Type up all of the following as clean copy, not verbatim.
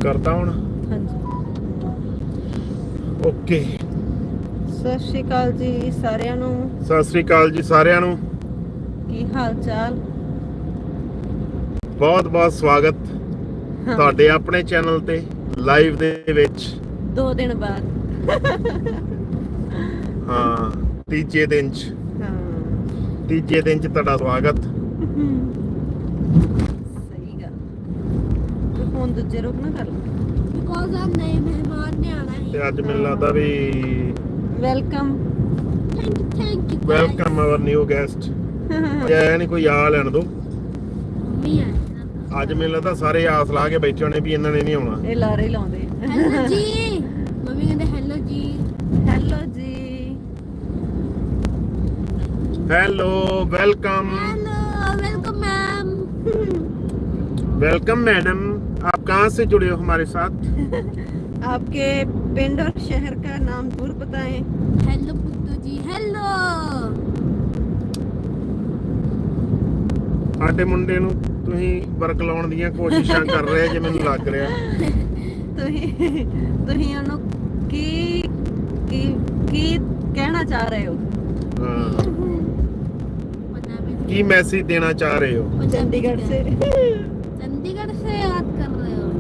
ਕਰਤਾ ਹੁਣ ਹਾਂਜੀ। ਓਕੇ। ਸਤਿ ਸ਼੍ਰੀ ਅਕਾਲ ਜੀ ਸਾਰਿਆਂ ਨੂੰ। ਸਤਿ ਸ੍ਰੀ ਅਕਾਲ ਜੀ ਸਾਰਿਆਂ ਨੂੰ। ਕੀ ਹਾਲ ਚਾਲ? ਬਹੁਤ ਬਹੁਤ ਸਵਾਗਤ ਤੁਹਾਡੇ ਆਪਣੇ ਚੈਨਲ ਤੇ ਲਾਈਵ ਦੇ ਵਿੱਚ 2 ਦਿਨ ਬਾਅਦ। ਹਾਂ, ਤੀਜੇ ਦਿਨ ਚ ਤੁਹਾਡਾ ਸਵਾਗਤ। ਸਹੀ ਗੱਲ। ਤੇ ਫੋਨ ਦੂਜੇ ਰੋਕ ਨਾ ਕਰ ਬਿਕੋਜ਼ ਆ ਨਏ ਮਹਿਮਾਨ ਨੇ ਆਣਾ ਹੈ। ਤੇ ਅੱਜ ਮੈਨੂੰ ਲੱਗਦਾ ਵੀ welcome thank you welcome our new guest. ਆਇਆ ਨਹੀਂ, ਕੋਈ ਆ ਲੈਣ ਦੋ। ਮੰਮੀ ਆਏ ਅੱਜ ਮੈਨੂੰ ਲੱਗਦਾ ਸਾਰੇ ਆਸ ਲਾ ਕੇ ਬੈਠੇ ਹੋਣੇ ਵੀ ਇਹਨਾਂ ਨੇ ਨਹੀਂ ਆਉਣਾ। ਇਹ ਲਾਰੇ ਲਾਉਂਦੇ। ਹੈਲੋ ਜੀ। ਮੰਮੀ ਕਹਿੰਦੇ ਹੈਲੋ ਜੀ। ਹੈਲੋ ਜੀ। Hello, welcome. Hello, welcome ma'am. Welcome madam. आप कहाँ से जुड़े हो हमारे साथ? आपके पिंड और शहर का नाम जरूर बताएं। Hello Puttu ji, hello. ਸਾਡੇ ਮੁੰਡੇ ਨੂੰ ਤੁਸੀਂ ਵਰਕਲਾਉਣ ਦੀਆਂ ਕੋਸ਼ਿਸ਼ਾਂ ਕਰ ਰਹੇ ਜੇ ਮੈਨੂੰ ਲੱਗ ਰਿਹਾ। ਤੁਸੀਂ ਉਹਨੂੰ ਕੀ ਕੀ ਕੀ ਕਹਿਣਾ ਚਾਹ ਰਹੇ ਹੋ? ਹਾਂ, ਕੀ ਮੈਸੇਜ ਦੇਣਾ ਚਾਹ ਰਹੇ ਹੋ? चंडीगढ़ से चंडीगढ़ से याद कर रहे हो?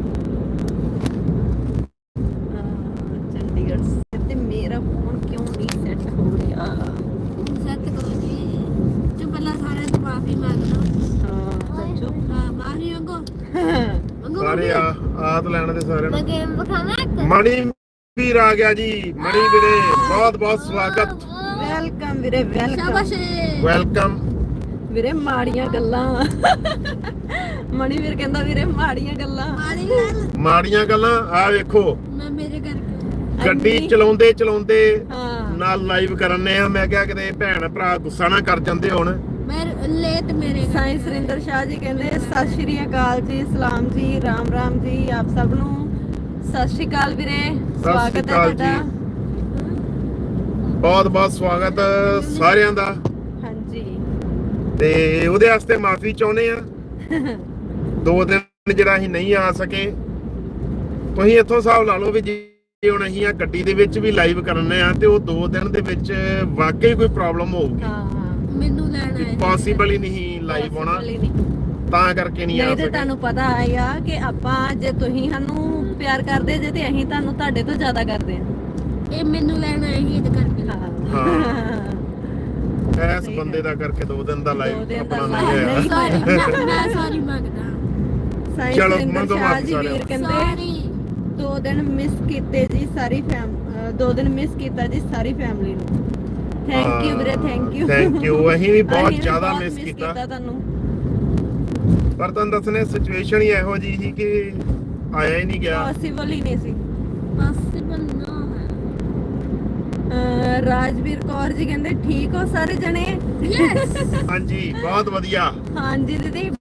चंडीगढ़ से। ते मेरा फोन क्यों नहीं सेट हो गया? सेट करो जी। जो पहला सारे तो माफी मांगना। सच्चू। हाँ, माफी मांगो। मांगो ਸਾਰੇ माफी। ਆਤ ਲੈਣ ਦੇ ਸਾਰਿਆਂ मैं ਨੂੰ। गेम दिखाना है। ਮਣੀ ਵੀਰ ਆ ਗਿਆ ਜੀ। ਮਣੀ ਵੀਰੇ ਬਹੁਤ ਬਹੁਤ ਸਵਾਗਤ। वेलकम वीरे वेलकम। शाबाश। ਵੈਲਕਮ। ਵੀਰੇ ਮਾੜੀਆਂ ਗੱਲਾਂ। ਮਣੀ ਵੀਰ ਕਹਿੰਦਾ ਵੀਰੇ ਮਾੜੀਆਂ ਗੱਲਾਂ। मारी गल। ਮਾੜੀਆਂ ਗੱਲਾਂ ਆ ਵੇਖੋ, मैं मेरे घर ਗੱਡੀ ਚਲਾਉਂਦੇ ਚਲਾਉਂਦੇ ਹਾਂ। ਨਾਲ ਲਾਈਵ ਕਰਨੇ ਆ। ਮੈਂ ਕਿਹਾ ਕਿਤੇ ਭੈਣ ਭਰਾ ਗੁੱਸਾ ਨਾ ਕਰ ਜਾਂਦੇ ਹੁਣ। मैं लेट मेरे घर। ਸਾਈਂ ਸੁਰਿੰਦਰ ਸ਼ਾਹ ਜੀ ਕਹਿੰਦੇ ਸਤਿ ਸ਼੍ਰੀ ਅਕਾਲ ਜੀ, ਸਲਾਮ ਜੀ, ਰਾਮ ਰਾਮ ਜੀ ਆਪ ਸਭ ਨੂੰ। ਸਤਿ ਸ਼੍ਰੀ ਅਕਾਲ ਵੀਰੇ, ਸਵਾਗਤ ਹੈ ਅਕਾਲ ਤੁਹਾਡਾ। ਬਹੁਤ ਬਹੁਤ ਸਵਾਗਤ ਸਾਰਿਆਂ ਦਾ। ਹਾਂਜੀ। ਤੇ ਉਹਦੇ ਵਾਸਤੇ ਮਾਫੀ ਚਾਹੁੰਦੇ ਆ। 2 ਦਿਨ ਜਿਹੜਾ ਅਸੀਂ ਨਹੀਂ ਆ ਸਕੇ। ਤੁਸੀਂ ਇੱਥੋਂ ਹਿਸਾਬ ਲਾ ਲਓ ਵੀ ਜੇ ਹੁਣ ਅਸੀਂ ਆ ਗੱਡੀ ਦੇ ਵਿੱਚ ਵੀ ਲਾਈਵ ਕਰਨੇ ਆ ਤੇ ਉਹ 2 ਦਿਨ ਦੇ ਵਿੱਚ ਵਾਕਈ ਕੋਈ ਪ੍ਰੋਬਲਮ ਹੋਊਗੀ। ਹਾਂ। ਮੈਨੂੰ ਲੈਣਾ ਹੈ। ਪੋਸੀਬਲ ਹੀ ਨਹੀਂ ਲਾਈਵ ਹੋਣਾ, Possible ਹੀ ਨਹੀਂ। ਤਾਂ ਕਰਕੇ ਨਹੀਂ ਆ ਨਹੀਂ ਤੇ ਸਕੇ। ਤੁਹਾਨੂੰ ਪਤਾ ਆਇਆ ਕਿ ਆਪਾਂ ਜੇ ਤੁਸੀਂ ਸਾਨੂੰ ਪਿਆਰ ਕਰਦੇ ਜੇ ਤੇ ਅਸੀਂ ਤੁਹਾਨੂੰ ਤੁਹਾਡੇ ਤੋਂ ਜ਼ਿਆਦਾ ਕਰਦੇ ਹਾਂ। ਇਹ ਮੈਨੂੰ ਲੈਣਾ ਹੈ ਇਹ ਕਰਕੇ। ਇਸ ਬੰਦੇ ਦਾ ਕਰਕੇ 2 ਦਿਨ ਦਾ ਦੋ ਲਾਈਵ ਦਿਨ ਦਾ ਆਪਣਾ live ਨਹੀਂ ਨਹੀਂ। ਹੋਇਆ। ਮੈਂ ਸੌਰੀ ਮੰਗਦਾ। ਸਾਈਂ ਚਲੋ, ਸੁਰਿੰਦਰ ਮੰਗੋ ਸ਼ਾਹ ਮਾਫ਼ੀ ਜੀ ਸਾਰਿਆਂ ਵੀਰ ਤੋਂ। ਕਹਿੰਦੇ ਸੌਰੀ। 2 ਦਿਨ ਮਿਸ ਕੀਤੇ ਜੀ ਸਾਰੀ 2 ਦਿਨ ਮਿਸ ਕੀਤਾ ਜੀ ਸਾਰੀ ਫੈਮਿਲੀ ਨੂੰ। ਥੈਂਕ ਯੂ ਵੀਰੇ, ਥੈਂਕ ਯੂ। Thank you. ਅਸੀਂ ਵੀ ਬਹੁਤ ਅਸੀਂ ਵੀ ਜ਼ਿਆਦਾ ਬਹੁਤ ਮਿਸ miss ਕੀਤਾ। ਤੁਹਾਨੂੰ। ਪਰ ਤੁਹਾਨੂੰ ਦੱਸਣੇ ਸਿਚੁਏਸ਼ਨ ਹੀ ਇਹੋ ਜਿਹੀ ਸੀ ਕਿ ਆਇਆ ਹੀ ਨਹੀਂ ਗਿਆ। ਪੋਸੀਬਲ ਹੀ ਨਹੀਂ ਸੀ। ਪੋਸੀਬਲ ਨਾ ਹੈ। ਰਾਜਵੀਰ ਕੌਰ ਜੀ ਕਹਿੰਦੇ ਠੀਕ ਹੋ ਸਾਰੇ ਜਣੇ? ਯੈਸ। ਹਾਂਜੀ, ਬਹੁਤ ਵਧੀਆ। ਹਾਂਜੀ ਦੀਦੀ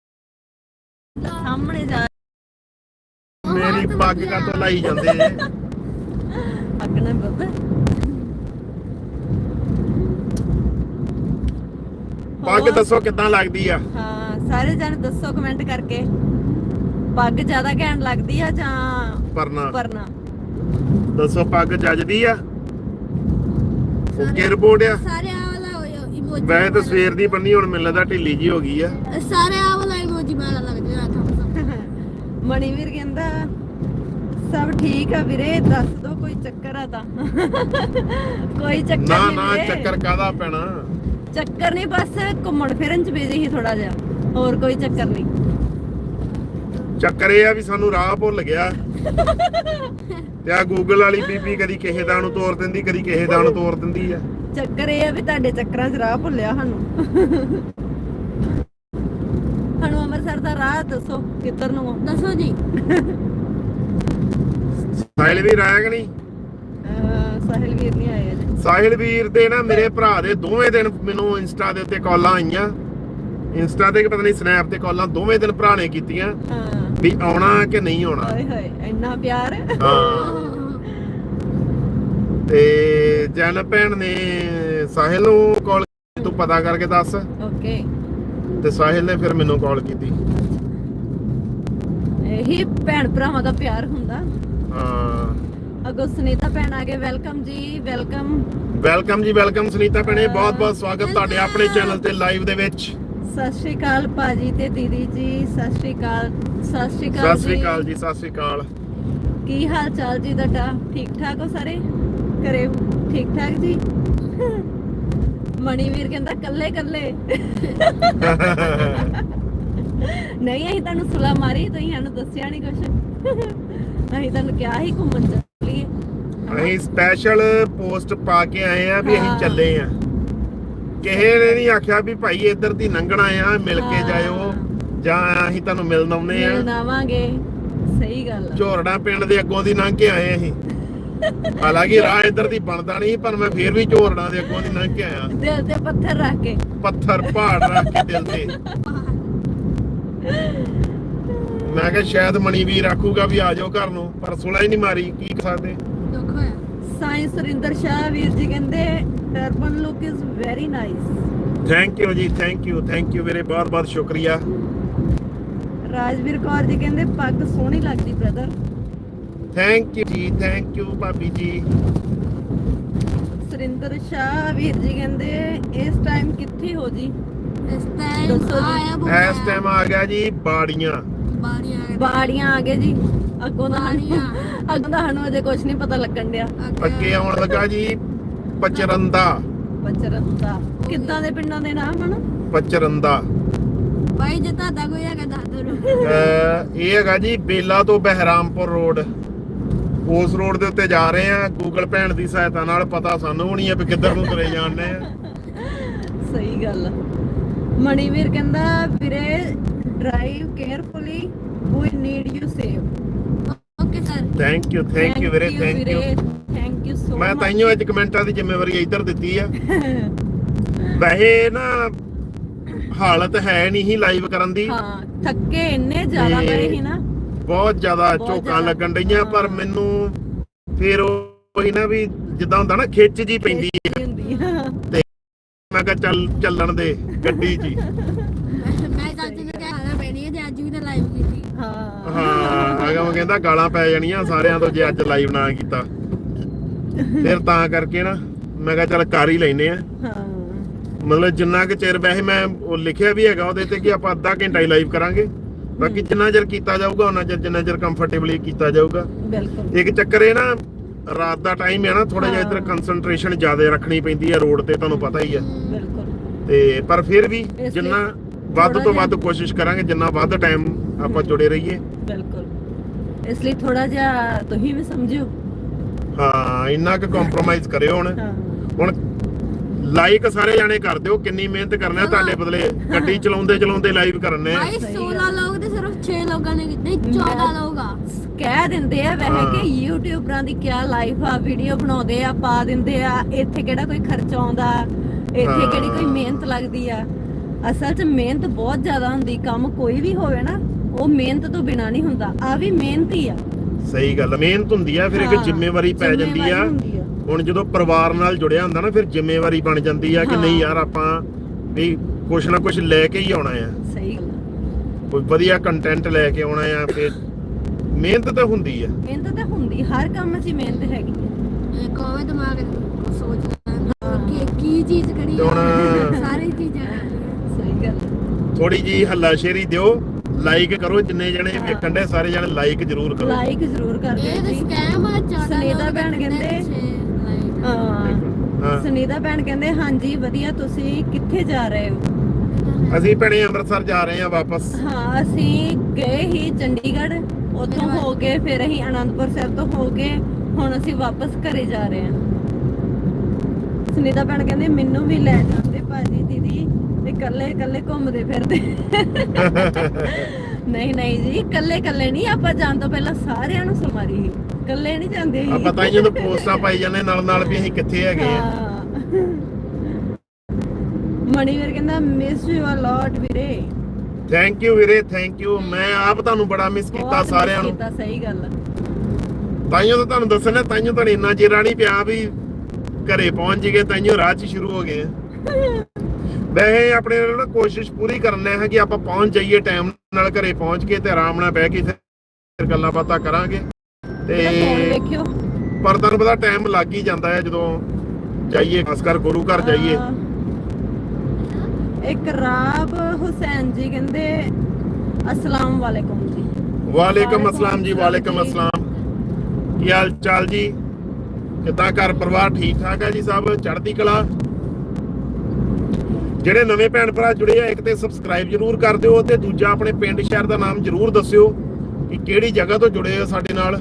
ਸਾਹਮਣੇ ਜਾ ਮੇਰੀ ਪੱਗ ਕਾ ਤੋਂ ਲਾਈ ਜਾਂਦੇ ਜੇ। ਅੱਗਣਾ ਬੱਬਾ। ਪੱਗ ਦੱਸੋ ਕਿੱਦਾਂ ਲੱਗਦੀ ਆ? ਹਾਂ, ਸਾਰੇ ਜਣੇ ਦੱਸੋ ਕਮੈਂਟ ਕਰਕੇ। ਪੱਗ ਜ਼ਿਆਦਾ ਘੈਂਟ ਲੱਗਦੀ ਆ ਜਾਂ ਪਰਨਾ ਪਰਨਾ? ਦੱਸੋ, ਪੱਗ ਜੱਜਦੀ ਆ? ਓਕੇ ਰਿਪੋਰਟ ਆ? ਸਾਰੇ ਆ ਵਾਲਾ ਇਮੋਜੀ। ਵੈਸੇ ਤਾਂ ਸਵੇਰ ਦੀ ਬੰਨੀ, ਹੁਣ ਮੈਨੂੰ ਲੱਗਦਾ ਢਿੱਲੀ ਜੀ ਹੋ ਗਈ ਆ। ਸਾਰੇ ਆ ਵਾਲਾ ਇਮੋਜੀ ਮਾਰਾ ਲੱਗ ਜਾਣਾ ਥੰਬਸ ਅਪ। ਮਣੀਵੀਰ ਕਹਿੰਦਾ ਸਭ ਠੀਕ ਆ ਵੀਰੇ, ਦੱਸ ਦੋ ਕੋਈ ਚੱਕਰ ਆ ਤਾਂ। ਕੋਈ ਚੱਕਰ ਨਾ ਨਹੀਂ ਨਾ, ਵੀਰੇ। ਚੱਕਰ ਕਾਹਦਾ ਪੈਣਾ? ਚੱਕਰ ਨਹੀਂ, ਬਸ ਘੁੰਮਣ ਫਿਰਨ ਚ ਬਿਜ਼ੀ ਸੀ ਥੋੜਾ ਜਿਹਾ, ਹੋਰ ਕੋਈ ਚੱਕਰ ਨਹੀਂ। ਚੱਕਰ ਇਹ ਆ ਵੀ ਸਾਨੂੰ ਰਾਹ ਭੁੱਲ ਗਿਆ। ਤੇ ਆ ਗੂਗਲ ਵਾਲੀ ਬੀਬੀ ਕਦੀ ਕਿਸੇ ਦਾ ਨੂੰ ਤੋਰ ਦਿੰਦੀ, ਕਦੀ ਕਿਸੇ ਦਾ ਨੂੰ ਤੋਰ ਦਿੰਦੀ ਆ। ਚੱਕਰ ਇਹ ਆ ਵੀ ਤੁਹਾਡੇ ਚੱਕਰਾਂ 'ਚ ਰਾਹ ਭੁੱਲਿਆ ਸਾਨੂੰ। ਸਾਨੂੰ ਅੰਮ੍ਰਿਤਸਰ ਦਾ ਰਾਹ ਦੱਸੋ ਕਿੱਧਰ ਨੂੰ ਆ? ਦੱਸੋ ਜੀ। ਸਾਹਿਲ ਵੀਰ ਆਇਆ ਕਿ ਨਹੀਂ? ਸਾਹਿਲ ਵੀਰ ਨਹੀਂ ਆਏ ਅਜੇ। ਸਾਹਿਲ ਵੀਰ ਦੇ ਨਾ ਮੇਰੇ ਭਰਾ ਦੇ ਦੋਵੇਂ ਦਿਨ ਮੈਨੂੰ ਇੰਸਟਾ ਦੇ ਉੱਤੇ ਕਾਲਾਂ ਆਈਆਂ। ਇੰਸਟਾ ਤੇ ਪਤਾ ਨਹੀਂ ਸਨੈਪ ਤੇ ਕਾਲਾਂ ਦੋਵੇਂ ਦਿਨ ਭਰਾ ਨੇ ਕੀਤੀਆਂ ਹਾਂ। ਵੀ ਆਉਣਾ ਕਿ ਨਹੀਂ ਆਉਣਾ। ਹਾਏ ਹਾਏ, ਇੰਨਾ ਪਿਆਰ। ਹਾਂ। ਤੇ ਜਨ ਭੈਣ ਨੇ ਸਾਹਿਲ ਨੂੰ ਕਾਲ, ਤੂੰ ਪਤਾ ਕਰਕੇ ਦੱਸ। ਓਕੇ। ਤੇ ਸਾਹਿਲ ਨੇ ਫਿਰ ਮੈਨੂੰ ਕਾਲ ਕੀਤੀ। ਇਹੀ ਭੈਣ ਭਰਾਵਾਂ ਦਾ ਪਿਆਰ ਹੁੰਦਾ। ਹਾਂ ਅਗੋ ਸੁਨੀਤਾ ਭੈਣ ਆ ਗਏ, ਵੈਲਕਮ ਜੀ, ਵੈਲਕਮ। ਵੈਲਕਮ ਜੀ, ਵੈਲਕਮ ਸੁਨੀਤਾ ਭੈਣੇ, ਬਹੁਤ ਬਹੁਤ ਸਵਾਗਤ ਤੁਹਾਡੇ ਆਪਣੇ ਚੈਨਲ ਤੇ ਲਾਈਵ ਦੇ ਵਿੱਚ। ਸਤਿ ਸ਼੍ਰੀ ਅਕਾਲ ਭਾਜੀ ਤੇ ਦੀਦੀ ਜੀ, ਸਤਿ ਸ਼੍ਰੀ ਅਕਾਲ, ਸਤਿ ਸ਼੍ਰੀ ਅਕਾਲ, ਸਤਿ ਸ੍ਰੀ ਅਕਾਲ ਜੀ, ਸਤਿ ਸ੍ਰੀ ਅਕਾਲ। ਕੀ ਹਾਲ ਚਾਲ ਜੀ ਤੁਹਾਡਾ? ਠੀਕ ਠਾਕ ਹੋ ਸਾਰੇ ਘਰੇ? ਠੀਕ ਠਾਕ ਜੀ। ਮਣੀਵੀਰ ਕਹਿੰਦਾ ਕੱਲੇ ਕੱਲੇ। ਨਹੀਂ, ਅਸੀਂ ਤੁਹਾਨੂੰ ਸੁਲਾ ਮਾਰੀ, ਤੁਸੀਂ ਸਾਨੂੰ ਦੱਸਿਆ ਨਹੀਂ ਕੁਛ। ਅਸੀਂ ਤੁਹਾਨੂੰ ਕਿਹਾ ਸੀ ਘੁੰਮਣ ਚੱਲੀਏ। ਅਸੀਂ ਸਪੈਸ਼ਲ ਪੋਸਟ ਪਾ ਕੇ ਆਏ ਆ ਵੀ ਅਸੀਂ ਹਾਂ। ਚੱਲੇ ਆ। ਕਿਸੇ ਨੇ ਨਹੀਂ ਆਖਿਆ ਵੀ ਭਾਈ ਇੱਧਰ ਦੀ ਲੰਘਣਾ ਆ, ਮਿਲ ਕੇ ਜਾਇਓ, ਜਾਂ ਅਸੀਂ ਤੁਹਾਨੂੰ ਮਿਲਣ ਆਉਨੇ ਆ। ਮਿਲਣ ਆਵਾਂਗੇ, ਸਹੀ ਗੱਲ ਆ। ਝੋਰੜਾ ਪਿੰਡ ਦੇ ਅੱਗੋਂ ਦੀ ਲੰਘ ਕੇ ਆਏ ਅਸੀਂ। ਹਾਲਾਂਕਿ ਰਾਹ ਇੱਧਰ ਦੀ ਬਣਦਾ ਨਹੀਂ, ਪਰ ਮੈਂ ਫੇਰ ਵੀ ਝੋਰੜਾ ਦੇ ਅੱਗੋਂ ਦੀ ਲੰਘ ਕੇ ਆਇਆ। ਦਿਲ ਤੇ ਪੱਥਰ ਰੱਖ ਕੇ, ਪੱਥਰ ਪਹਾੜ ਰੱਖ ਕੇ ਦਿਲ ਤੇ। ਮੈਂ ਕਿਹਾ ਸ਼ਾਇਦ ਮਣੀਵੀਰ ਆਖੂਗਾ ਵੀ ਆ ਜਾਓ ਘਰ ਨੂੰ, ਪਰ ਸੁਲਾ ਹੀ ਨਹੀਂ ਮਾਰੀ, ਕੀ ਕਰ ਸਕਦੇ। ਦੁੱਖ ਹੋਇਆ। ਸਾਈਂ ਸੁਰਿੰਦਰ ਸ਼ਾਹ ਵੀਰ ਜੀ ਕਹਿੰਦੇ turban look is very nice. Thank you ਜੀ, ਥੈਂਕ ਯੂ ਵੀਰੇ, ਬਹੁਤ ਬਹੁਤ ਸ਼ੁਕਰੀਆ। ਰਾਜਵੀਰ ਕੌਰ ਜੀ ਕਹਿੰਦੇ ਪੱਗ ਸੋਹਣੀ ਲੱਗਦੀ ਬ੍ਰਦਰ। ਥੈਂਕ ਯੂ ਜੀ, ਥੈਂਕ ਯੂ ਭਾਬੀ ਜੀ। ਸੁਰਿੰਦਰ ਸ਼ਾਹ ਵੀਰ ਜੀ ਕਹਿੰਦੇ ਇਸ ਟਾਈਮ ਕਿੱਥੇ ਹੋ ਜੀ? ਇਸ ਟਾਈਮ ਦੱਸੋ ਜੀ। ਆਇਆ ਇਸ ਟਾਈਮ ਆ ਗਿਆ ਜੀ ਬਾੜੀਆਂ। ਬਾੜੀਆਂ ਆ ਗਏ ਜੀ। ਅੱਗੋਂ ਦਾ ਬਾੜੀਆਂ। ਅੱਗੋਂ ਦਾ ਸਾਨੂੰ ਅਜੇ ਕੁਝ ਨਹੀਂ ਪਤਾ ਲੱਗਣ ਡਿਆ। ਅੱਗੇ ਆਉਣ ਲੱਗਾ ਜੀ ਪਚਰੰਦਾ। ਪਚਰੰਦਾ ਕਿੱਦਾਂ ਦੇ ਪਿੰਡਾਂ ਦੇ ਨਾਮ ਹਨ? ਪਚਰੰਦਾ ਭਾਈ ਜੇ ਤੁਹਾਡਾ ਕੋਈ ਹੈਗਾ ਦੱਸ ਦਿਓ। ਇਹ ਹੈਗਾ ਜੀ ਬੇਲਾ ਤੋਂ ਬਹਿਰਾਮਪੁਰ ਰੋਡ। ਉਸ ਰੋਡ ਦੇ ਉੱਤੇ ਜਾ ਰਹੇ ਆ। ਗੂਗਲ ਭੈਣ ਦੀ ਸਹਾਇਤਾ ਨਾਲ ਪਤਾ ਸਾਨੂੰ ਹੋਣੀ ਆ ਵੀ ਕਿੱਧਰ ਨੂੰ ਤੁਰੇ ਜਾਂਦੇ ਆ। ਸਹੀ ਗੱਲ ਆ। ਮਣੀਵੀਰ ਕਹਿੰਦਾ ਵੀਰੇ drive carefully, we need you save. Okay sir. Thank you ਵੀਰੇ, thank you. Thank you so ਮੈਂ ਮਚ। ਤਾਈਓ ਅੱਜ ਕਮੈਂਟਾਂ ਦੀ ਜ਼ਿੰਮੇਵਾਰੀ ਇੱਧਰ ਦਿੱਤੀ ਆ। ਵੈਸੇ ਨਾ ਹਾਲਤ ਹੈ ਨਹੀਂ ਹੀ ਲਾਈਵ ਕਰਨ ਦੀ। ਹਾਂ, ਥੱਕੇ ਇੰਨੇ ਜ਼ਿਆਦਾ ਤੇ ਪਏ ਸੀ ਨਾ। ਬਹੁਤ ਜ਼ਿਆਦਾ ਬਹੁਤ ਝੋਕਾਂ ਜ਼ਿਆਦਾ। ਲੱਗਣ ਡਈਆਂ, ਪਰ ਮੈਨੂੰ ਫਿਰ ਉਹੀ ਨਾ ਵੀ ਜਿੱਦਾਂ ਹੁੰਦਾ ਨਾ ਖਿੱਚ ਜੀ ਪੈਂਦੀ ਹੈ। ਖੇਚੀ ਹੁੰਦੀ ਆ। ਮੈਂ ਕਿਹਾ ਚੱਲਣ ਦੇ ਗੱਡੀ 'ਚ ਹੀ। ਮੈਂ ਚਾਚੀ ਨੂੰ ਕਹਿਣਾ ਪੈਣੀ ਹੈ ਜੇ ਅੱਜ ਵੀ ਤਾਂ ਲਾਈਵ ਕੀਤੀ। ਹਾਂ ਹਾਂ ਅਗਮ ਕਹਿੰਦਾ ਗਾਲਾਂ ਪੈ ਜਾਣੀਆਂ ਸਾਰਿਆਂ ਤੋਂ ਜੇ ਅੱਜ ਲਾਈਵ ਨਾ ਕੀਤਾ। ਫਿਰ ਤਾਂ ਕਰਕੇ ਨਾ ਮੈਂ ਕਿਹਾ ਚੱਲ ਕਰ ਹੀ ਲੈਨੇ ਆ। ਹਾਂ ਮਤਲਬ ਜਿੰਨਾ ਕਿ ਚਿਰ ਵੈਸੇ ਮੈਂ ਉਹ ਲਿਖਿਆ ਵੀ ਹੈਗਾ ਉਹਦੇ ਤੇ ਕਿ ਆਪਾਂ ਅੱਧਾ ਘੰਟਾ ਹੀ ਲਾਈਵ ਕਰਾਂਗੇ। ਬਾਕੀ ਜਿੰਨਾ ਚਿਰ ਕੀਤਾ ਜਾਊਗਾ ਉਹਨਾਂ ਚਿਰ ਜਿੰਨਾ ਚਿਰ ਕੰਫਰਟੇਬਲੀ ਕੀਤਾ ਜਾਊਗਾ। ਬਿਲਕੁਲ। ਇੱਕ ਚੱਕਰ ਇਹ ਨਾ ਰਾਤ ਦਾ ਟਾਈਮ ਹੈ ਨਾ, ਥੋੜਾ ਜਿਹਾ ਇੱਧਰ ਕੰਸੰਟਰੇਸ਼ਨ ਜ਼ਿਆਦਾ ਰੱਖਣੀ ਪੈਂਦੀ ਹੈ ਰੋਡ ਤੇ, ਤੁਹਾਨੂੰ ਪਤਾ ਹੀ ਹੈ। ਬਿਲਕੁਲ। ਤੇ ਪਰ ਫਿਰ ਵੀ ਲਈ ਜਿੰਨਾ ਵੱਧ ਥੋੜ੍ਹਾ ਤੋਂ ਜਿਹਾ- ਵੱਧ ਕੋਸ਼ਿਸ਼ ਕਰਾਂਗੇ, ਜਿੰਨਾ ਵੱਧ ਟਾਈਮ ਆਪਾਂ ਜੁੜੇ ਰਹੀਏ। ਬਿਲਕੁਲ। ਇਸ ਲਈ ਥੋੜਾ ਜਿਹਾ ਤੁਸੀਂ ਵੀ ਸਮਝਿਓ। ਹਾਂ ਇੰਨਾ ਕੁ ਕੰਪਰੋਮਾਈਜ਼ ਕਰਿਓ ਹੁਣ। ਹਾਂ ਹੁਣ ਲਾਈਕ ਸਾਰੇ ਜਾਣੇ ਕਰ ਦਿਓ, ਕਿੰਨੀ ਮਿਹਨਤ ਕਰਨਾ ਤੁਹਾਡੇ ਬਦਲੇ। ਗੱਡੀ ਚਲਾਉਂਦੇ ਲਾਈਵ ਕਰਨੇ ਆ। ਭਾਈ 16 ਲੋਕ ਤੇ ਸਿਰਫ 6 ਲੋਕਾਂ ਨੇ ਨਹੀਂ 14 ਲੋਕ ਆ। ਕਹਿ ਦਿੰਦੇ ਆ ਵੈਸੇ ਹਾਂ। ਕਿ ਯੂਟਿਊਬਰਾਂ ਦੀ ਕੀ ਲਾਈਫ ਆ, ਵੀਡੀਓ ਬਣਾਉਂਦੇ ਆ, ਪਾ ਦਿੰਦੇ ਆ, ਇੱਥੇ ਕਿਹੜਾ ਕੋਈ ਖਰਚਾ ਆਉਂਦਾ, ਇੱਥੇ ਹਾਂ। ਕਿਹੜੀ ਕੋਈ ਮਿਹਨਤ ਲੱਗਦੀ ਆ। ਅਸਲ 'ਚ ਮਿਹਨਤ ਬਹੁਤ ਜ਼ਿਆਦਾ ਹੁੰਦੀ। ਕੰਮ ਕੋਈ ਵੀ ਹੋਵੇ ਨਾ, ਉਹ ਮਿਹਨਤ ਤੋਂ ਬਿਨਾ ਨਹੀਂ ਹੁੰਦਾ। ਆ ਵੀ ਮਿਹਨਤ ਹੀ ਆ। ਸਹੀ ਗੱਲ, ਮਿਹਨਤ ਹੁੰਦੀ ਆ, ਫਿਰ ਇੱਕ ਹਾਂ, ਜ਼ਿੰਮੇਵਾਰੀ ਪੈ ਜਾਂਦੀ ਆ। ਜ਼ਿੰਮੇਵਾਰੀ ਹੁੰਦੀ ਆ। ਹੁਣ ਜਦੋਂ ਪਰਿਵਾਰ ਨਾਲ ਜੁੜਿਆ ਹੁੰਦਾ ਨਾ, ਫਿਰ ਜ਼ਿੰਮੇਵਾਰੀ ਬਣ ਜਾਂਦੀ ਆ ਕਿ ਹਾਂ। ਨਹੀਂ ਯਾਰ ਆਪਾਂ ਵੀ ਕੁਛ ਨਾ ਕੁਛ ਲੈ ਕੇ ਹੀ ਆਉਣਾ ਆ, ਸਹੀ ਗੱਲ ਆ। ਕੋਈ ਵਧੀਆ ਕੰਟੈਂਟ ਲੈ ਕੇ ਆਉਣਾ ਆ। ਫਿਰ ਮਿਹਨਤ ਤਾਂ ਹੁੰਦੀ ਆ। ਮਿਹਨਤ ਤਾਂ ਹੁੰਦੀ, ਹਰ ਕੰਮ 'ਚ ਹੀ ਮਿਹਨਤ ਹੈਗੀ ਆ। ਇਹ ਕੋਵੇਂ ਦਿਮਾਗ ਸੋਚਦਾ ਕਿ ਕੀ ਚੀਜ਼ ਕਰੀ ਤੇ ਹੁਣ- ਸਾਰੀ ਚੀਜ਼ਾਂ ਕਰਨੀਆਂ। ਸਹੀ ਗੱਲ ਆ। ਥੋੜੀ ਜੀ ਹੱਲਾਸ਼ੇਰੀ ਦਿਓ, ਲਾਈਕ ਕਰੋ, ਜਿੰਨੇ ਜਣੇ ਵੇਖਣ ਦੇ ਸਾਰੇ ਜਣੇ ਲਾਈਕ ਜ਼ਰੂਰ ਕਰੋ। ਲਾਈਕ ਜ਼ਰੂਰ ਕਰ ਇਹ ਦਿਓ ਤਾਂ ਜੀ। ਸਕੈਮ ਆ। 14 ਸੁਨੀਤਾ ਲੋਕ ਭੈਣ ਕਹਿੰਦੇ ਕਹਿੰਦੇ- like। ਹਾਂ ਹਾਂ। ਸੁਨੀਤਾ ਭੈਣ ਕਹਿੰਦੇ ਹਾਂਜੀ ਵਧੀਆ, ਤੁਸੀਂ ਕਿੱਥੇ ਜਾ ਰਹੇ ਹੋ? ਅਸੀਂ ਭੈਣੇ ਅੰਮ੍ਰਿਤਸਰ ਜਾ ਰਹੇ ਹਾਂ ਵਾਪਸ। ਹਾਂ ਅਸੀਂ ਗਏ ਹੀ ਚੰਡੀਗੜ੍ਹ, ਉੱਥੋਂ ਹੋ ਕੇ ਫਿਰ ਅਸੀਂ ਅਨੰਦਪੁਰ ਸਾਹਿਬ ਤੋਂ ਹੋ ਕੇ ਹੁਣ ਅਸੀਂ ਵਾਪਸ ਘਰੇ ਜਾ ਰਹੇ ਹਾਂ। ਸੁਨੀਤਾ ਭੈਣ ਕਹਿੰਦੇ ਮੈਨੂੰ ਵੀ ਲੈ ਜਾਂਦੇ ਭਾਜੀ ਦੀਦੀ, ਤੇ ਇਕੱਲੇ ਘੁੰਮਦੇ ਫਿਰਦੇ। ਨਹੀਂ ਜੀ, ਇਕੱਲੇ ਨਹੀਂ, ਆਪਾਂ ਜਾਣ ਤੋਂ ਪਹਿਲਾਂ ਸਾਰਿਆਂ ਨੂੰ ਸਮਾਰੀ ਸੀ, ਇਕੱਲੇ ਨਹੀਂ ਜਾਂਦੇ ਸੀ। ਆਪਾਂ ਤਾਂ ਜਦੋਂ ਪੋਸਟਾਂ ਪਾਈ ਜਾਂਦੇ ਨਾਲ ਵੀ ਅਸੀਂ ਕਿੱਥੇ ਹੈਗੇ ਆ। ਹਾਂ। ਮਣੀਵੀਰ ਕਹਿੰਦਾ ਮਿਸ ਯੂ ਅ ਲੋਟ ਵੀਰੇ। ਥੈਂਕ ਯੂ ਵੀਰੇ, ਥੈਂਕ ਯੂ। ਮੈਂ ਆਪ ਤੁਹਾਨੂੰ ਬੜਾ ਮਿਸ ਕੀਤਾ ਬਹੁਤ ਸਾਰਿਆਂ ਨੂੰ। ਕੀਤਾ, ਸਹੀ ਗੱਲ ਆ। ਤਾਈਓ ਤਾਂ ਤੁਹਾਨੂੰ ਦੱਸਣਾ, ਤਾਈਓ ਤੁਹਾਨੂੰ ਇੰਨਾ ਚਿਰ ਨਹੀਂ ਪਿਆ ਵੀ ਘਰੇ ਪਹੁੰਚ ਗਏ, ਤਾਈਓ ਰਾਹ 'ਚ ਸ਼ੁਰੂ ਹੋ ਗਏ। ਵੈਸੇ ਆਪਣੇ ਨਾਲ ਕੋਸ਼ਿਸ਼ ਪੂਰੀ ਕਰਨਾ ਹੈ ਕਿ ਆਪਾਂ ਪਹੁੰਚ ਜਾਈਏ ਟਾਈਮ ਨਾਲ, ਘਰੇ ਪਹੁੰਚ ਕੇ ਤੇ ਆਰਾਮ ਨਾਲ ਬਹਿ ਕੇ ਫਿਰ ਗੱਲਾਂ ਬਾਤਾਂ ਕਰਾਂਗੇ ਤੇ ਫੋਨ ਵੇਖਿਓ। ਪਰ ਤੁਹਾਨੂੰ ਪਤਾ ਟਾਈਮ ਲੱਗ ਹੀ ਜਾਂਦਾ ਹੈ ਜਦੋਂ ਜਾਈਏ, ਖਾਸ ਕਰ ਗੁਰੂ ਘਰ ਜਾਈਏ। ਇੱਕ ਰਾਬ ਹੁਸੈਨ ਜੀ ਕਹਿੰਦੇ ਅਸਲਾਮ ਵਾਲੇਕੁਮ ਜੀ। ਵਾਲੇਕਮ ਅਸਲਾਮ ਜੀ, ਵਾਲੇਕਮ ਅਸਲਾਮ। ਕੀ ਹਾਲ ਚਾਲ ਜੀ? ਕਿੱਦਾਂ ਘਰ ਪਰਿਵਾਰ ਠੀਕ ਠਾਕ ਹੈ ਜੀ? ਸਭ ਚੜ੍ਹਦੀ ਕਲਾ। ਜਿਹੜੇ ਨਵੇਂ ਭੈਣ ਭਰਾ ਜੁੜੇ ਆ, ਇੱਕ ਤੇ ਸਬਸਕ੍ਰਾਈਬ ਜਰੂਰ ਕਰ ਦਿਓ ਤੇ ਦੂਜਾ ਆਪਣੇ ਪਿੰਡ ਸ਼ਹਿਰ ਦਾ ਨਾਮ ਜਰੂਰ ਦੱਸਿਓ ਕਿ ਕਿਹੜੀ ਜਗ੍ਹਾ ਤੋਂ ਜੁੜੇ ਆ ਸਾਡੇ ਨਾਲ।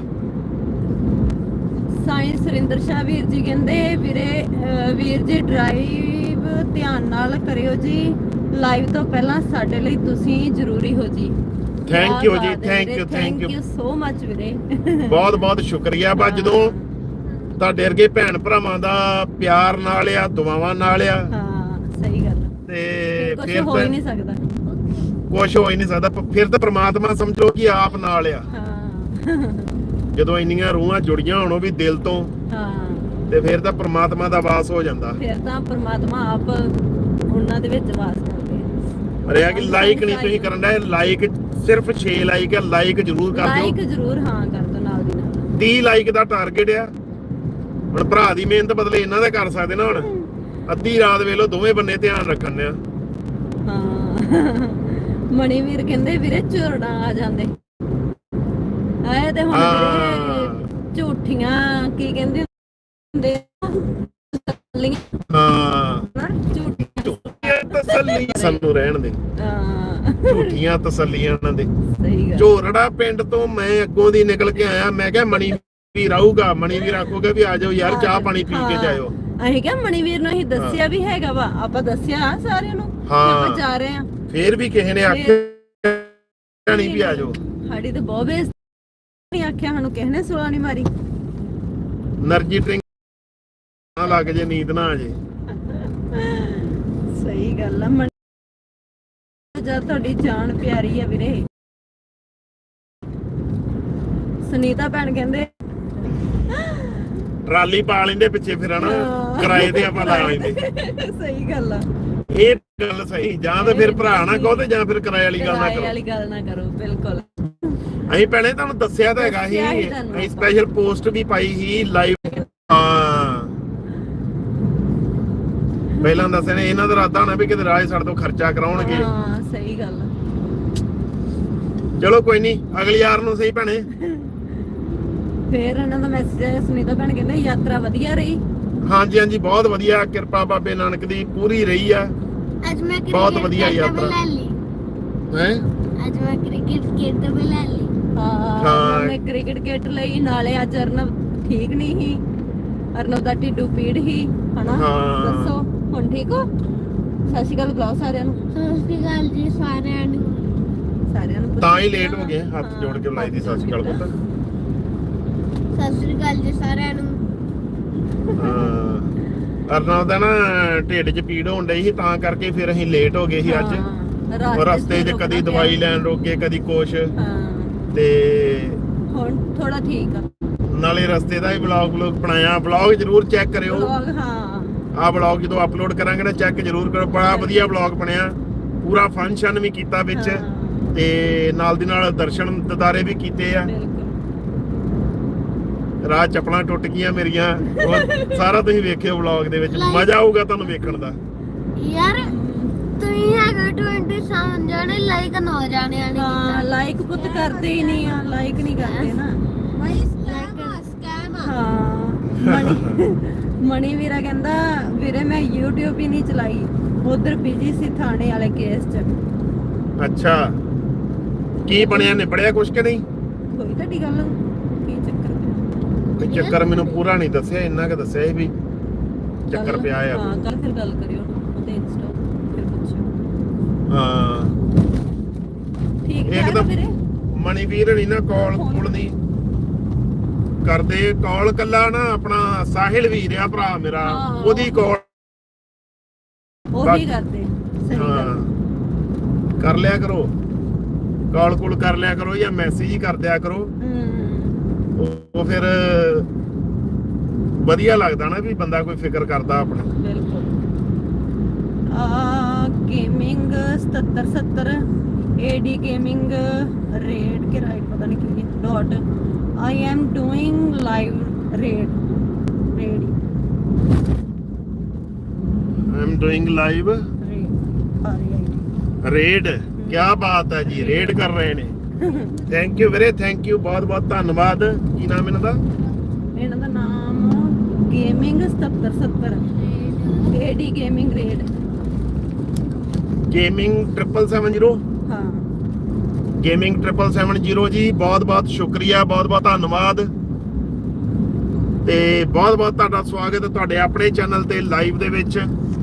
ਸਾਈਂ ਸੁਰਿੰਦਰ ਸ਼ਾਹ ਵੀਰ ਜੀ ਕਹਿੰਦੇ ਵੀਰ ਜੀ ਡਰਾਈਵ ਧਿਆਨ ਨਾਲ ਕਰਿਓ ਜੀ, ਲਾਈਵ ਤੋਂ ਪਹਿਲਾਂ ਸਾਡੇ ਲਈ ਤੁਸੀਂ ਜ਼ਰੂਰੀ ਹੋ ਜੀ। ਥੈਂਕ ਯੂ ਜੀ, ਥੈਂਕ ਯੂ ਸੋ ਮਚ ਵੀਰੇ। ਬਹੁਤ ਬਹੁਤ ਸ਼ੁਕਰੀਆ। ਬਸ ਜਦੋਂ ਤੁਹਾਡੇ ਵਰਗੇ ਭੈਣ ਭਰਾਵਾਂ ਦਾ ਪਿਆਰ ਨਾਲ ਆ, ਦੁਆਵਾਂ ਨਾਲ ਆ, ਹਾਂ ਸਹੀ ਗੱਲ ਤੇ ਕੁਝ ਫਿਰ ਹੋ ਹੀ ਨਹੀਂ ਸਕਦਾ। ਕੁਝ ਹੋ ਹੀ ਨਹੀਂ ਸਕਦਾ। ਫਿਰ ਤਾਂ ਪ੍ਰਮਾਤਮਾ ਸਮਝੋ ਕਿ ਆਪ ਨਾਲ ਆ। ਹਾਂ ਜਦੋਂ ਇੰਨੀਆਂ ਰੂਹਾਂ ਜੁੜੀਆਂ ਹੋਣ ਉਹ ਵੀ ਦਿਲ ਤੋਂ, ਹਾਂ ਤੇ ਫਿਰ ਤਾਂ ਪ੍ਰਮਾਤਮਾ ਦਾ ਵਾਸ ਹੋ ਜਾਂਦਾ। ਫਿਰ ਤਾਂ ਪ੍ਰਮਾਤਮਾ ਆਪ ਉਹਨਾਂ ਦੇ ਵਿੱਚ ਵਾਸ ਕਰਦੇ ਆ। ਅਰੇ ਆ ਕਿ ਲਾਈਕ ਨਹੀਂ ਤੁਸੀਂ ਕਰਨ ਦਾ, ਲਾਈਕ ਸਿਰਫ 6 ਲਾਈਕ ਹੈ, ਲਾਈਕ ਜ਼ਰੂਰ ਕਰ ਦਿਓ। ਲਾਈਕ ਜ਼ਰੂਰ ਹਾਂ ਕਰ ਦਿਓ ਨਾਲ ਦੀ ਨਾਲ। 30 ਲਾਈਕ ਦਾ ਟਾਰਗੇਟ ਆ। ਹੁਣ ਭਰਾ ਦੀ ਮਿਹਨਤ ਬਦਲੇ ਇਹਨਾਂ ਦਾ ਕਰ ਸਕਦੇ ਨਾ। ਹੁਣ ਅੱਧੀ ਰਾਤ ਵੇਲੋ ਦੋਵੇਂ ਬੰਨੇ ਧਿਆਨ ਰੱਖਣ ਆ। ਹਾਂ ਮਣੀਵੀਰ ਕਹਿੰਦੇ ਵੀਰੇ ਝੁਰੜਾਂ ਆ ਜਾਂਦੇ ਆਏ ਤੇ ਹੁਣ ਵੀਰੇ ਝੂਠੀਆਂ ਕੀ ਕਹਿੰਦੇ ਹੁੰਦੇ ਹਾਂ ਝੂਠੀਆਂ ਤਸੱਲੀਆਂ ਸਾਨੂੰ ਰਹਿਣ ਦੇ। ਝੂਠੀਆਂ ਤਸੱਲੀਆਂ ਉਹਨਾਂ ਦੇ। ਸਹੀ ਗੱਲ। ਝੋਰੜਾ ਪਿੰਡ ਤੋਂ ਮੈਂ ਅੱਗੋਂ ਦੀ ਨਿਕਲ ਕੇ ਆਇਆ, ਮੈਂ ਕਿਹਾ ਮਣੀ ਵੀਰ ਆਊਗਾ, ਮਣੀ ਵੀਰ ਆਖੋਗੇ ਵੀ ਆ ਜਾਓ ਯਾਰ ਚਾਹ ਪਾਣੀ ਪੀ ਕੇ ਜਾਇਓ। ਅਸੀਂ ਕਿਹਾ ਮਣੀਵੀਰ ਨੂੰ ਅਸੀਂ ਦੱਸਿਆ ਵੀ ਹੈਗਾ ਵਾ, ਆਪਾਂ ਦੱਸਿਆ ਸਾਰਿਆਂ ਨੂੰ ਆਪਾਂ ਜਾ ਰਹੇ ਆ। ਫੇਰ ਵੀ ਕਿਸੇ ਨੇ ਆਖਿਆ ਨਹੀਂ ਵੀ ਆ ਜਾਓ। ਸਾਡੀ ਤੇ ਬਹੁਤ ਬੇਇੱਜ਼ਤੀ ਨਹੀਂ ਆਖਿਆ, ਸਾਨੂੰ ਕਿਸੇ ਨੇ ਸੁਲਾ ਨਹੀਂ ਮਾਰੀ। એનર્ਜੀ ਡਰਿੰਕ ਨਾ ਲੱਗ ਜੇ, ਨੀਂਦ ਨਾ ਆ ਜੇ। ਸਹੀ ਗੱਲ ਆ। ਜਦ ਤੁਹਾਡੀ ਜਾਨ ਪਿਆਰੀ ਆ ਵੀਰੇ। ਸੁਨੀਤਾ ਭੈਣ ਕਹਿੰਦੇ ਟਰਾਲੀ ਪਾ ਲੈਂਦੇ ਪਿੱਛੇ ਫਿਰ ਹਨਾ, ਕਿਰਾਏ ਤੇ ਆਪਾਂ ਲਾ ਲੈਂਦੇ। ਸਹੀ ਗੱਲ ਆ। ਇਹ ਗੱਲ ਸਹੀ। ਜਾਂ ਤਾਂ ਫਿਰ ਭਰਾ ਨਾ ਕਹੋ ਤੇ ਜਾਂ ਫਿਰ ਕਿਰਾਏ ਵਾਲੀ ਗੱਲ ਨਾ ਕਿਰਾਏ ਕਰੋ। ਵਾਲੀ ਗੱਲ ਨਾ ਕਰੋ ਬਿਲਕੁਲ। ਅਸੀਂ ਭੈਣੇ ਤੁਹਾਨੂੰ ਦੱਸਿਆ ਤਾਂ ਹੈਗਾ ਸੀ, ਅਸੀਂ ਸਪੈਸ਼ਲ ਪੋਸਟ ਵੀ ਪਾਈ ਸੀ ਲਾਈਵ। ਹਾਂ ਪਹਿਲਾਂ ਦੱਸਿਆ ਨੇ, ਇਹਨਾਂ ਦਾ ਇਰਾਦਾ ਹੋਣਾ ਵੀ ਕਿਤੇ ਰਾਜ ਸਾਡੇ ਤੋਂ ਖਰਚਾ ਕਰਾਉਣਗੇ। ਹਾਂ ਸਹੀ ਗੱਲ ਆ। ਚਲੋ ਕੋਈ ਨਹੀਂ, ਅਗਲੀ ਯਾਰ ਨੂੰ ਸਹੀ ਭੈਣੇ। ਫੇਰ ਇਹਨਾਂ ਦਾ ਮੈਸੇਜ ਆਇਆ, ਸੁਨੀਤਾ ਭੈਣ ਕਹਿੰਦੇ ਯਾਤਰਾ ਵਧੀਆ ਰਹੀ। ਹਾਂਜੀ ਹਾਂਜੀ ਬਹੁਤ ਵਧੀਆ, ਕਿਰਪਾ ਬਾਬੇ ਨਾਨਕ ਦੀ ਪੂਰੀ ਰਹੀ ਆ। ਅੱਜ ਮੈਂ ਬਹੁਤ ਵਧੀਆ ਯਾਤਰਾ ਹੈ। ਅੱਜ ਮੈਂ ਕ੍ਰਿਕਟ ਖੇਡ ਵੀ ਲੈ ਲਈ। ਹਾਂ ਮੈਂ ਕ੍ਰਿਕਟ ਕਿੱਟ ਲਈ। ਨਾਲੇ ਅੱਜ ਅਰਨਵ ਠੀਕ ਨਹੀਂ ਸੀ, ਅਰਨਵ ਦਾ ਢਿੱਡੂ ਪੀੜ ਸੀ ਹਨਾ। ਦੱਸੋ ਹੁਣ ਠੀਕ ਹੋ? ਸਤਿ ਸ਼੍ਰੀ ਅਕਾਲ ਬੁਲਾਓ ਸਾਰਿਆਂ ਨੂੰ। ਸਤਿ ਸ਼੍ਰੀ ਅਕਾਲ ਜੀ ਸਾਰਿਆਂ ਨੂੰ। ਸਾਰਿਆਂ ਨੂੰ ਤਾਂ ਹੀ ਲੇਟ ਹੋ ਗਏ, ਹੱਥ ਜੋੜ ਕੇ ਬੁਲਾਈ ਦੀ ਸਤਿ ਸ਼੍ਰੀ ਅਕਾਲ ਪੁੱਤ। ਸਤਿ ਸ਼੍ਰੀ ਅਕਾਲ ਜੀ ਸਾਰਿਆਂ ਨੂੰ। ਅਰਨਵ ਦਾ ਨਾ ਢਿੱਡ 'ਚ ਪੀੜ ਹੋਣ ਡਈ ਸੀ, ਤਾਂ ਕਰਕੇ ਫਿਰ ਅਸੀਂ ਲੇਟ ਹੋ ਗਏ ਸੀ ਅੱਜ। ਰਸਤੇ 'ਚ ਕਦੀ ਦਵਾਈ ਲੈਣ ਰੋਕੇ, ਕਦੀ ਕੁਛ। ਤੇ ਹੁਣ ਥੋੜਾ ਠੀਕ ਆ। ਨਾਲੇ ਰਸਤੇ ਦਾ ਹੀ ਵਲੌਗ ਬਣਾਇਆ। ਵਲੌਗ ਜਰੂਰ ਚੈੱਕ ਕਰਿਓ। ਹਾਂ ਆਹ ਵਲੌਗ ਜਦੋਂ ਅਪਲੋਡ ਕਰਾਂਗੇ ਨਾ, ਚੈੱਕ ਜਰੂਰ ਕਰੋ। ਬੜਾ ਵਧੀਆ ਵਲੌਗ ਬਣਿਆ, ਪੂਰਾ ਫੰਕਸ਼ਨ ਵੀ ਕੀਤਾ ਵਿੱਚ, ਤੇ ਨਾਲ ਦੀ ਨਾਲ ਦਰਸ਼ਨ ਦਿਦਾਰੇ ਵੀ ਕੀਤੇ ਆ। ਰਾਹ ਚੱਪਲਾਂ ਟੁੱਟ ਗਈਆਂ ਮੇਰੀਆਂ, ਉਹ ਸਾਰਾ ਤੁਸੀਂ ਵੇਖਿਓ ਵਲੌਗ ਦੇ ਵਿੱਚ, ਮਜ਼ਾ ਆਊਗਾ ਤੁਹਾਨੂੰ ਵੇਖਣ ਦਾ। ਯਾਰ ਤੁਸੀਂ ਹੈਗੇ 27 ਜਾਣੇ, ਲਾਈਕ 9 ਜਾਣੇ ਆਣੇ। ਹਾਂ ਲਾਈਕ ਪੁੱਤ ਕਰਦੇ ਹੀ ਨਹੀਂ ਆ, ਲਾਈਕ ਨਹੀਂ ਕਰਦੇ ਨਾ। ਸਕੈਮ ਹਾਂ ਮਣੀ ਵੀਰਾ ਕਹਿੰਦਾ ਵੀਰੇ ਮੈਂ YouTube ਹੀ ਨਹੀਂ ਚਲਾਈ, ਉਧਰ ਬਿਜੀ ਸੀ ਥਾਣੇ ਵਾਲੇ ਕੇਸ 'ਚ। ਅੱਛਾ ਕੀ ਬਣਿਆ, ਨਿਬੜਿਆ ਕੁਛ ਕਿ ਨਹੀਂ? ਕੋਈ ਤੁਹਾਡੀ ਗੱਲ ਕੀ ਚੱਕਰ ਕੋਈ ਚੱਕਰ ਮੈਨੂੰ ਪੂਰਾ ਨਹੀਂ ਦੱਸਿਆ, ਇੰਨਾ ਕਿ ਦੱਸਿਆ ਸੀ ਵੀ ਚੱਕਰ ਪਿਆ ਆ। ਹਾਂ ਕੱਲ ਫਿਰ ਗੱਲ ਕਰਿਓ ਉਹਦੇ ਇੰਸਟਾ ਫਿਰ ਪੁੱਛਿਓ। ਹਾਂ ਠੀਕ ਹੈ ਇੱਕਦਮ ਵੀਰੇ। ਮਣੀਵੀਰ ਨਹੀਂ ਨਾ ਕਾਲ ਕੋਲ ਨਹੀਂ ਕਰਦੇ। ਕਾਲ ਕੱਲਾ ਨਾ ਆਪਣਾ ਸਾਹਿਲ ਵੀਰ ਆ ਭਰਾ ਮੇਰਾ, ਉਹਦੀ ਕਾਲ ਉਹੀ ਕਰਦੇ। ਸਹੀ ਗੱਲ ਕਰ ਲਿਆ ਕਰੋ, ਕਾਲ ਕੋਲ ਕਰ ਲਿਆ ਕਰੋ ਜਾਂ ਮੈਸੇਜ ਹੀ ਕਰ ਦਿਆ ਕਰੋ। ਉਹ ਫਿਰ ਵਧੀਆ ਲੱਗਦਾ ਨਾ ਵੀ ਬੰਦਾ ਕੋਈ ਫਿਕਰ ਕਰਦਾ ਆਪਣਾ। ਬਿਲਕੁਲ। ਗੇਮਿੰਗ 7770 AD Gaming raid के राइट पता नहीं क्यों dot I am doing live raid I am doing live raid ਕੀ ਬਾਤ ਹੈ ਜੀ ਰੇਡ ਕਰ ਰਹੇ ਨੇ ਥੈਂਕ ਯੂ ਵੀਰੇ ਥੈਂਕ ਯੂ ਬਹੁਤ ਬਹੁਤ ਧੰਨਵਾਦ ਕੀ ਨਾਮ ਇਹਨਾਂ ਦਾ ਨਾਮ gaming 7770 AD Gaming raid gaming 770 ਹਾਂ ਗੇਮਿੰਗ 770 ਜੀ ਬਹੁਤ ਬਹੁਤ ਸ਼ੁਕਰੀਆ ਬਹੁਤ ਬਹੁਤ ਧੰਨਵਾਦ ਤੇ ਬਹੁਤ ਬਹੁਤ ਤੁਹਾਡਾ ਸਵਾਗਤ ਹੈ ਤੁਹਾਡੇ ਆਪਣੇ ਚੈਨਲ ਤੇ ਲਾਈਵ ਦੇ ਵਿੱਚ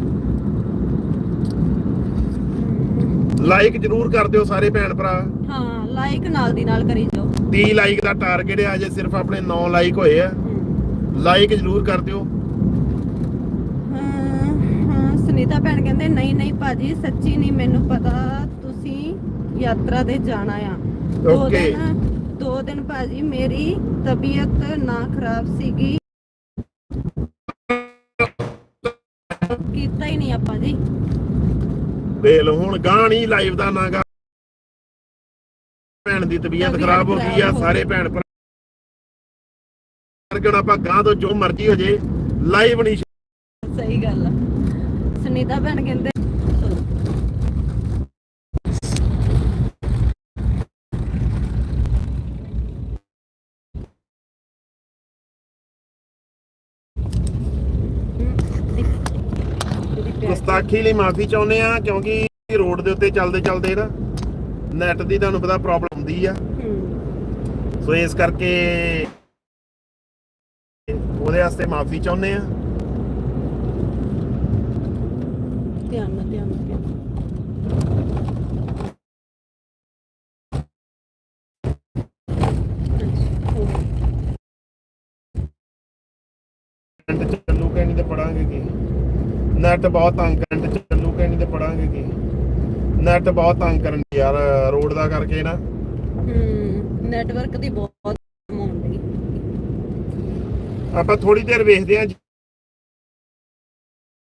ਲਾਈਕ ਜਰੂਰ ਕਰ ਦਿਓ ਸਾਰੇ ਭੈਣ ਭਰਾ ਹਾਂ ਲਾਈਕ ਨਾਲ ਦੀ ਨਾਲ ਕਰੀ ਜਾਓ 30 ਲਾਈਕ ਦਾ ਟਾਰਗੇਟ ਹੈ ਅਜੇ ਸਿਰਫ ਆਪਣੇ 9 ਲਾਈਕ ਹੋਏ ਆ ਲਾਈਕ ਜਰੂਰ ਕਰ ਦਿਓ ਹਾਂ ਸੁਨੀਤਾ ਭੈਣ ਕਹਿੰਦੇ ਨਹੀਂ ਭਾਜੀ ਸੱਚੀ ਨਹੀਂ ਮੈਨੂੰ ਪਤਾ ਤੁਸੀਂ ਯਾਤਰਾ ਤੇ ਜਾਣਾ ਆ ਓਕੇ 2 ਦਿਨ ਭਾਜੀ ਮੇਰੀ ਤਬੀਅਤ ਨਾ ਖਰਾਬ ਸੀਗੀ ਕੀਤਾ ਹੀ ਨਹੀਂ ਆਪਾਂ ਜੀ ਦੇਖ ਲਓ ਹੁਣ ਗਾਂ ਨਹੀਂ ਲਾਈਵ ਦਾ ਨਾਗਾ ਭੈਣ ਦੀ ਤਬੀਅਤ ਖਰਾਬ ਹੋ ਗਈ ਆ ਸਾਰੇ ਭੈਣ ਭਰਾ ਕਿਉਂ ਆਪਾਂ ਗਾਂ ਤੋਂ ਜੋ ਮਰਜ਼ੀ ਹੋ ਜੇ ਲਾਈਵ ਨਹੀਂ ਸਹੀ ਗੱਲ ਆ ਸੁਨੀਤਾ ਭੈਣ ਕਹਿੰਦੇ ਗੁਸਤਾਖੀ ਲਈ ਮਾਫੀ ਚਾਹੁੰਦੇ ਆ ਕਿਉਂਕਿ ਰੋਡ ਦੇ ਉੱਤੇ ਚੱਲਦੇ ਨਾ ਨੈਟ ਦੀ ਤੁਹਾਨੂੰ ਪਤਾ ਪ੍ਰੋਬਲਮ ਹੁੰਦੀ ਆ ਸੋ ਇਸ ਕਰਕੇ ਉਹਦੇ ਵਾਸਤੇ ਮਾਫੀ ਚਾਹੁੰਦੇ ਆ ਧਿਆਨ ਨਾਲ ਚੱਲੂ ਕਹਿਣੀ ਤੇ ਪੜਾਂਗੇ ਕੀ ਨੈਟ ਬਹੁਤ ਤੰਗ ਕਰਨ ਚੱਲੂ ਕਹਿਣੀ ਤੇ ਪੜਾਂਗੇ ਕੀ ਨੈਟ ਬਹੁਤ ਤੰਗ ਕਰਨ ਯਾਰ ਰੋਡ ਦਾ ਕਰਕੇ ਨਾ ਨੈਟਵਰਕ ਦੀ ਬਹੁਤ ਪ੍ਰੋਬਲਮ ਆਉਂਦੀ ਆਪਾਂ ਥੋੜੀ ਦੇਰ ਵੇਖਦੇ ਆ